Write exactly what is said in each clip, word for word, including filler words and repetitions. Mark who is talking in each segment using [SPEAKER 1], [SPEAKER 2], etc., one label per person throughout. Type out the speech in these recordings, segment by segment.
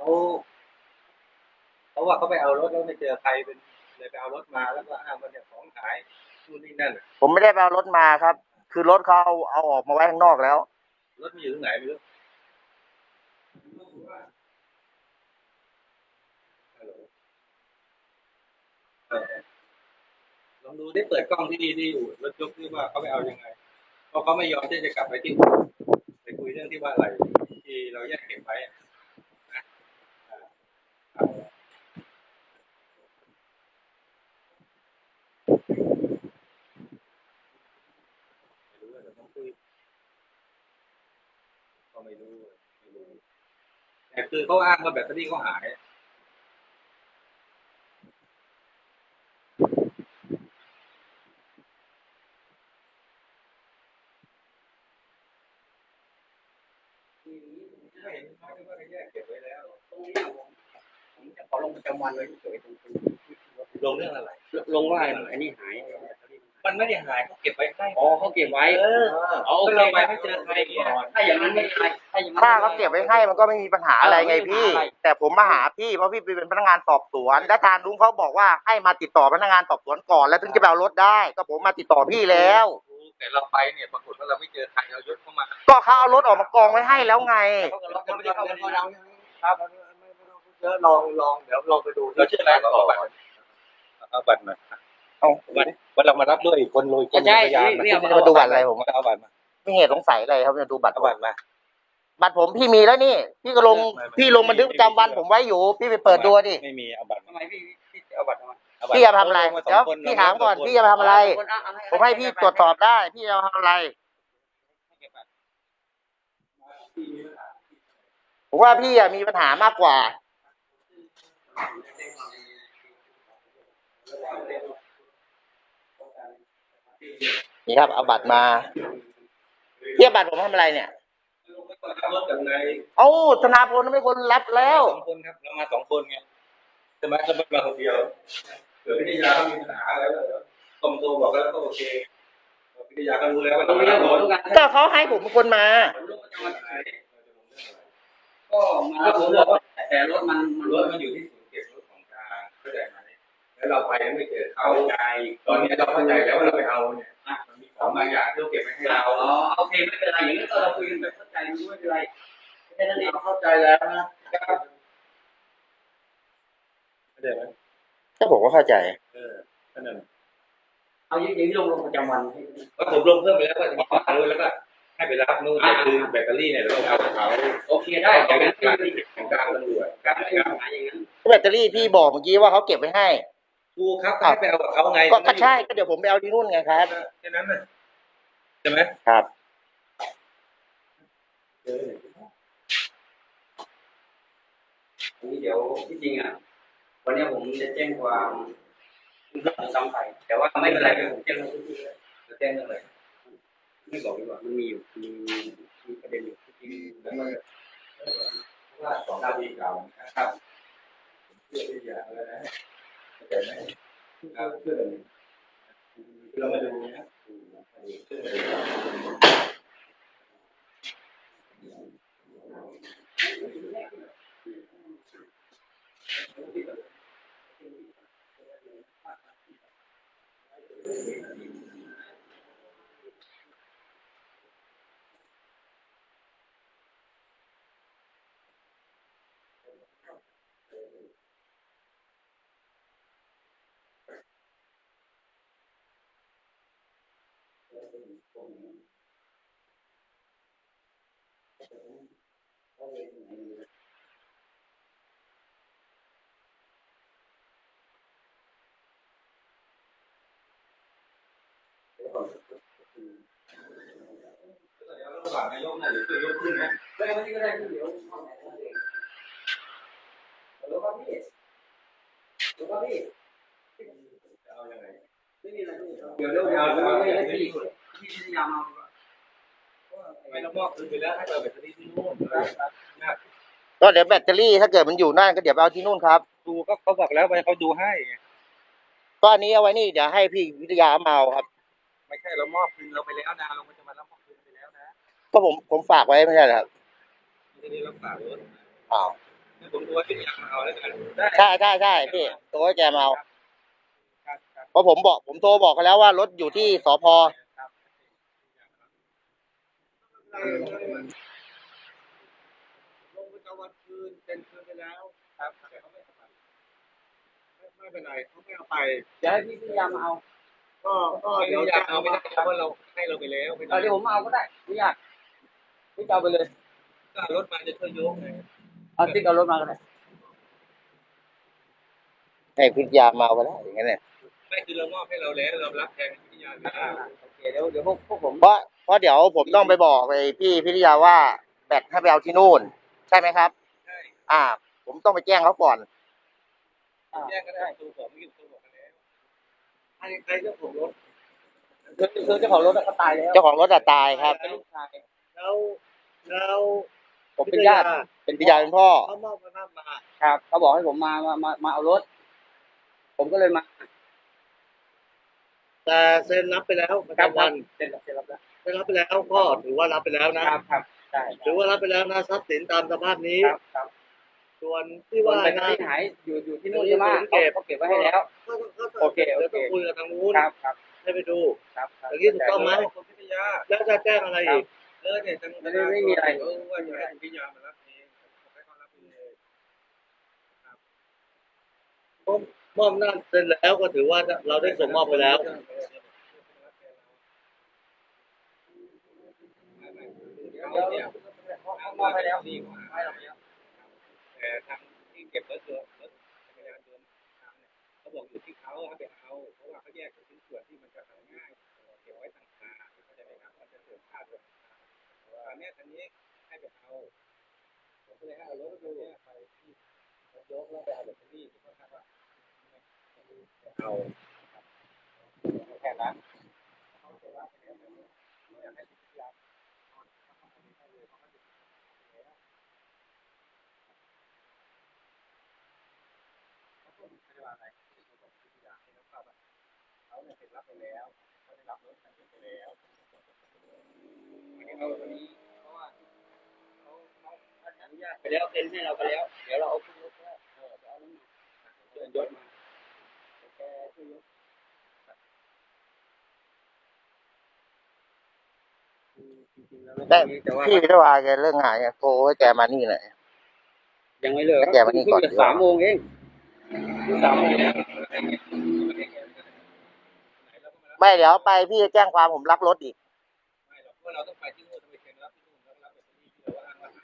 [SPEAKER 1] เพราะว่าเขาไปเอารถแล้วไม่เจอใครเป็นเลยไปเอารถมาแล้วก็อ้างว่าเนี่ยของหายนู่นนี่นั่น
[SPEAKER 2] ผมไม่ได้ไปเอารถมาครับคือรถเขาเอาเอาออกมาไว้ข้างนอกแล้ว
[SPEAKER 1] รถมันอยู่ตรงไหนไม่รู้ลองดูได้เปิดกล้องที่ดีที่อยู่รถยกที่ว่าเขาไปเอายังไงเพราะเขาไม่ยอมที่จะกลับไปที่ไปคุยเรื่องที่ว่าอะไรที่เราแยกเก็บไว้นะก็ไม่รู้ไม่รู้แต่คือเขาอ้างว่าแบตเตอรี่เขาหายไม่เห็นเขาว่าเขาแยกเก็บไว้แล้วตรงนี้ผมจะขอลงประจำวันไว้เฉยๆตรงลงเรื่องอะไรลงว่าอันนี้หายมันไม่ได้หายเขาเก็บไว้ให้อ๋อเขาเก็บไว้เออเอาเราไปไม่เจอใครเนี่ยถ้าอย่างนั้นไม่ใช่ถ้าอย่างนั้น
[SPEAKER 2] ถ้าเขาเก็บไว้ให้มันก็ไม่มีปัญหาอะไรไงพี่แต่ผมมาหาพี่เพราะพี่เป็นพนักงานสอบสวนและทางลุงเขาบอกว่าให้มาติดต่อพนักงานสอบสวนก่อนแล้วถึงจะไปเอารถได้ก็ผมมาติดต่อพี่แล้ว
[SPEAKER 1] แต่เราไปเนี่ยปรากฏว่าเราไม่เจอใครเรายศเข้ามา
[SPEAKER 2] ก็เขาเอารถออกมากองไว้ให้แล้วไง
[SPEAKER 1] เขาไม่ได้เข้ามาเราครับเดี๋ยวลองลองเดี๋ยวลองไปดูเราชื่ออะไรก่อนเอาบัตรมาเอาบัตรวันเรามารับด้วยอีกคนเลยคนพยาน
[SPEAKER 2] มามาดูบัตรอะไรผม
[SPEAKER 1] เอาบัตรมา
[SPEAKER 2] ไม่เหตุสงสัยอะไรครับจะดูบัตร
[SPEAKER 1] เอาบัตรมา
[SPEAKER 2] บัตรผมพี่มีแล้วนี่พี่ก็ลงพี่ลงบันทึกประจำวันผมไว้อยู่พี่ไปเปิดดูดิ
[SPEAKER 1] ไม่มีเอาบัตรทำไมพี่พี่เอาบัตรมา
[SPEAKER 2] พี่จะทำอะไรเดี๋ยวพี่ถามก่อนพี่จะทำอะไรผมให้พี่ตรวจสอบได้พี่จะทำอะไรผมว่าพี่อะมีปัญหามากกว่านี่ครับเอาบัตรมาเทียบบัตรผมทำอะไรเนี่ยเอ้าธนาพลไม่คนรับแล้ว
[SPEAKER 1] สองคนครับเรามาสองคนไงใช่ไหมเรามาคนเดียวเกิดพิทยาเขามีปัญหาอะไรแล้วคอมโทรบอกแล้วก็โอเคพิทยาก็รู้แล้วว่าต้องรับรถ
[SPEAKER 2] ก็เขาให้ผมเป็นคนมา
[SPEAKER 1] ก็มาผมบอกว่าแต่รถมันรถมันอยู่ที่ศูนย์เก็บรถของกลางเข้าใจไหมแล้วเราไปไม่เจอเขาใจตอนนี้เราเข้าใจแล้วว่าเราไปเอาเนี่ยมันมีของบางอย่างที่เราเก็บไว้ให้เราอ๋อโอเคไม่เป็นไรอย่างนี้เราคุยกันแบบเข้าใจไม่เป็นไรแค่นั้นเองเข้าใจแล้วนะเข้าใจไหม
[SPEAKER 2] ก็ผมก็เข้าใจ
[SPEAKER 1] เออนั่นแหละเอาอย่างนี้ลงลงประจำวันก็ผมลงเพิ่มไปแล้วว่าจะมีข้อหาแล้วก็ให้ไปรับนู่นแต่คือแบตเตอรี่เนี่ยเราเอาเขาโอเคได้อย่างนั้นการของการตำรวจการไม่มีปัญหาอย่างนั้น
[SPEAKER 2] แบตเตอรี่พี่บอกเมื่อกี้ว่าเขาเก็บไว้ให้
[SPEAKER 1] ถูกครับให้ไปเอากับเขาไง
[SPEAKER 2] ก็ใช่ก็เดี๋ยวผมไปเอาที่นู่นไงครับ
[SPEAKER 1] แค่นั้นนะใช่ไหม
[SPEAKER 2] ครับ
[SPEAKER 1] อันนี้เดี๋ยวที่จริงอ่ะวันนี้ผมจะแจ้งความเรื่องซ้ำไปแต่ว่าไม่เป็นไรผมแจ้งทุกที่เลยจะแจ้งเรื่องอะไรไม่บอกดีกว่ามันมีอยู่มีมีประเด็นอยู่ที่แล้วมันว่าสองดาวดีเก่านะครับเพื่อที่จะอะไรนะแต่ไม่ครับเพื่อเรามาดูนะระหว่างนายกเนี่ยหรือคือยกขึ้นนะไม่ไม่ก็ได้เดี๋ยวแล้วก็พี่แล้วก็พี่เอายังไงไม่มีอะไรเดี๋ยวเดี๋ยวเอาเอาให้พี่พี่พยายามเอาไม่ต้องมอบคืนไปแล้วให้เราแบตเตอรี่ที่นู่นนะ
[SPEAKER 2] ก็เดี๋ยวแบตเตอรี่ถ้าเกิดมันอยู่นั่นก็เดี๋ยวไปเอาที่นู่นครับ
[SPEAKER 1] ดูก็เขาบอกแล้วไปเขาดูให้
[SPEAKER 2] ก็อันนี้เอาไว้นี่เดี๋ยวให้พี่วิทยาเมาครับ
[SPEAKER 1] ไม่ใช่เรามอบคืนเราไปแล้วนะเราไม่จะมารับมอบคืนไปแล้วนะ
[SPEAKER 2] ก็ผมผมฝากไว้ไม่ใช่เหรอครับ
[SPEAKER 1] ไม่ได้รับฝากรถ
[SPEAKER 2] อ้าว
[SPEAKER 1] เผมดูว่าพี่อยากมาเอาแล้วกันได้
[SPEAKER 2] ใช่ใช่ใช่พี่โทรให้แกมาเอา
[SPEAKER 1] ครับครับ
[SPEAKER 2] เพราะผมบอกผมโทรบอกเขาแล้วว่ารถอยู่ที่สพ
[SPEAKER 3] ลงประจำวันคืนเป็นคืนไปแล้ว
[SPEAKER 1] ครับ
[SPEAKER 3] แต่เขาไม่เอาไปไม่ไม่เป็นไรเขาไม่เอาไป
[SPEAKER 1] เดี๋ยวให้พี่พยายามมาเอา
[SPEAKER 3] ก็ก็
[SPEAKER 1] เดี๋
[SPEAKER 3] เดี๋
[SPEAKER 1] ย
[SPEAKER 3] ยว ว
[SPEAKER 1] อยา
[SPEAKER 3] จะ
[SPEAKER 1] กเอา
[SPEAKER 3] เอา
[SPEAKER 1] ไม่
[SPEAKER 3] ไม่
[SPEAKER 1] ได้
[SPEAKER 3] ได้
[SPEAKER 1] เพราะ
[SPEAKER 3] เพราะ
[SPEAKER 1] เรา
[SPEAKER 3] เราให้เราไปแล้วไม่
[SPEAKER 1] เออเดี๋ยวผมมาเอาก็ได้ไม่ยากพี่จะเอาไปเลย
[SPEAKER 3] ก็รถมาจะช่วยยกไง
[SPEAKER 1] เอาติ๊กเอารถมาก็ได้
[SPEAKER 2] ให้พิทยามาเอาไปแล้วอย่างเงี้ยเนี่ย
[SPEAKER 3] ไม่คือเรามอบให้เราแล้วเรารับแทนพิทยาแล้ว
[SPEAKER 1] อ่าโอเคเดี๋ยวเดี๋ยวพวกพวกผม
[SPEAKER 2] เพราะเพราะเดี๋ยวผมต้องไปบอกไปพี่พิทยาว่าแบตให้ไปเอาที่นู่น ใช่ไหมครับ
[SPEAKER 3] ใช่
[SPEAKER 2] อ่า ผมต้องไปแจ้งเขาก่อน
[SPEAKER 1] อ่า
[SPEAKER 3] แยกก็ได้ตัวผมไม่อยู่ตัวบอกกันแล้วใครใครเจ้าของรถ
[SPEAKER 1] คือคือเจ้าของรถเขาตายแล้ว
[SPEAKER 2] เจ้าของรถอะตายครับ
[SPEAKER 1] เป็นลูกชาย
[SPEAKER 3] แล้วแล้ว
[SPEAKER 1] ผมเป็นญาติเป็น
[SPEAKER 2] พิทยาเป็นพ่อ
[SPEAKER 3] เขามอบอำนาจมา
[SPEAKER 1] ครับเขาบอกให้ผมมามามามาเอารถ ผมก็เลยมา
[SPEAKER 3] แต่เซ็นรับไปแล้วประ
[SPEAKER 1] ครับ
[SPEAKER 3] จำวัน
[SPEAKER 1] เซ็นรับเซ็นรับแล้ว
[SPEAKER 3] เซ็นรับไปแล้วก็ถือว่ารับไปแล้วนะครับ
[SPEAKER 1] ครับใช่
[SPEAKER 3] ถือว่ารับไปแล้วนะทรัพย์สินตามสภาพนี้
[SPEAKER 1] ครับครับ
[SPEAKER 3] ส่วนที่
[SPEAKER 1] ส่วน
[SPEAKER 3] ว่า
[SPEAKER 1] แบตเตอ
[SPEAKER 3] นะ
[SPEAKER 1] รี่หายอยู่อยู่ที่นู่นใช่ไหมเขาเขาเก็บไว้ให้แล้ว
[SPEAKER 3] ก็ต้องก็ต้อง
[SPEAKER 1] โอเคโอเค
[SPEAKER 3] ดี๋ยวต้องคุยกับทางนู้น
[SPEAKER 1] ครับครับ
[SPEAKER 3] ให้ไปดู
[SPEAKER 1] ครับครับ
[SPEAKER 3] อย่างนี้ถูกต้องไหม
[SPEAKER 1] คุณพิทยา
[SPEAKER 3] แล้วจะแจ้งอะไรอีก
[SPEAKER 1] เออเนี่ยไม่ได้ไม่มีอะไร
[SPEAKER 3] เออว่าจะให้พิยามารับเองให้เขารับเองมอบมอบหน้าจเสร็จแล้วก็ถือว่าเราได้ส่งมอบไปแล้ว
[SPEAKER 1] เดี๋ยวเดี๋ยวเขามอบให้แล้วให้เราไปแล้ว
[SPEAKER 3] แต่ทางที่เก็บรถยนต์รถจักรยานยนต์เขาบอกอยู่ที่เขาให้ไปเอาเพราะว่าเขาแยกเป็นชิ้นส่วนที่มันจะหาง่ายเก็บไว้ต่างหากเข้าใจไหมครับมันจะเกิดค่าด้วยอันนี้อันนี้ให้ไปเอาผมก็เลยให้เอารถยนต์ไปที่รถยกแล้วไปเอาแบตเตอรี่ที่เขาคาดว่าเอาแค่นั้นเขาเนี่ยเป็นรับไปแล้วเขาได้รับรถคันนี้ไปแล้วอันนี้เขาวันนี้เพราะว่าเขาเขาท่านอนุญาต
[SPEAKER 1] ไปแล้วเซ็นให้เราไปแล้ว เดี๋ยวเราเอาขึ้นรถแล้วเออเอาน้ำมันเชิญยศมาแกช่วยยกจริงๆแล้ว
[SPEAKER 2] แต่
[SPEAKER 1] แต่ว่า
[SPEAKER 2] พี่พิทยาแกเรื่องงานแกโทรให้แกมานี่หน่อย
[SPEAKER 1] ยังไม่เลิก
[SPEAKER 2] ให้แกมานี่ก่อน
[SPEAKER 1] เพิ่งจะสามโมงเองเพิ่งสามโมง
[SPEAKER 2] ไม่เดี๋ยวไปพี่จะแจ้งความผมรับรถอีก
[SPEAKER 3] ไม่หรอกเพราะเราต้องไปที่นู่นต้องไปเซ็นรับที่นู่นแล้วรับแบบนี้ที่เราอ้างว่าหาย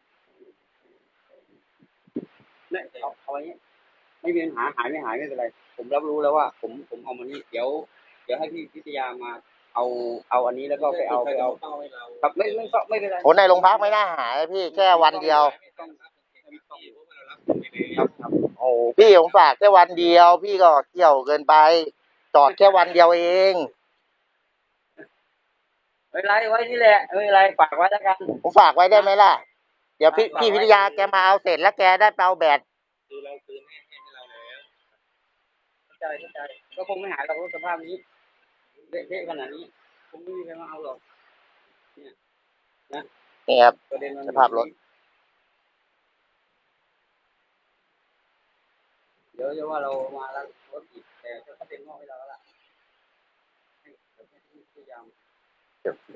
[SPEAKER 1] เนี่ยเอาเอาไว้ไม่มีปัญหาหายไม่หายไม่เป็นไร ผมรับรู้แล้วว่า ผมผมเอามานี่เดี๋ยว เดี๋ยวให้พี่พิทยามาเอาเอาอันนี้แล้วก็ไปเอาไปเอาครับไม่ไม่ไม่เป็นไร
[SPEAKER 2] ผลในโรงพักไม่น่าหายพี่แค่วันเดียว
[SPEAKER 1] ครับครับ
[SPEAKER 2] โอ้พี่ผมฝากแค่วันเดียว พี่ก็เกี่ยวเกินไป จอดแค่วันเดียวเอง
[SPEAKER 1] ไม่เป็นไรไว้นี่แหละไม่เป็นไรฝากไว้แล้วกัน
[SPEAKER 2] ผมฝากไว้ได้ไหมล่ะ เดี๋ยวพี่พี่พิทยาแกมาเอาเสร็จแล้วแกได้ไปเอาแบต
[SPEAKER 3] คือเราคืนให้ให้เราแล้ว
[SPEAKER 1] เข้าใจเข้าใจก็คงไม่หายหรอกรถสภาพนี้เละๆขนาดนี้คงไม่มีใครมาเอาหรอกเนี่ยนะ
[SPEAKER 2] นี่ครับ
[SPEAKER 1] ประเด็นมัน
[SPEAKER 2] สภาพรถ
[SPEAKER 1] เดี๋ยวจะว่าเรามาแล้วรถอีกแต่ก็เป็นมอบให้เราแล้วล่ะให้พยายาม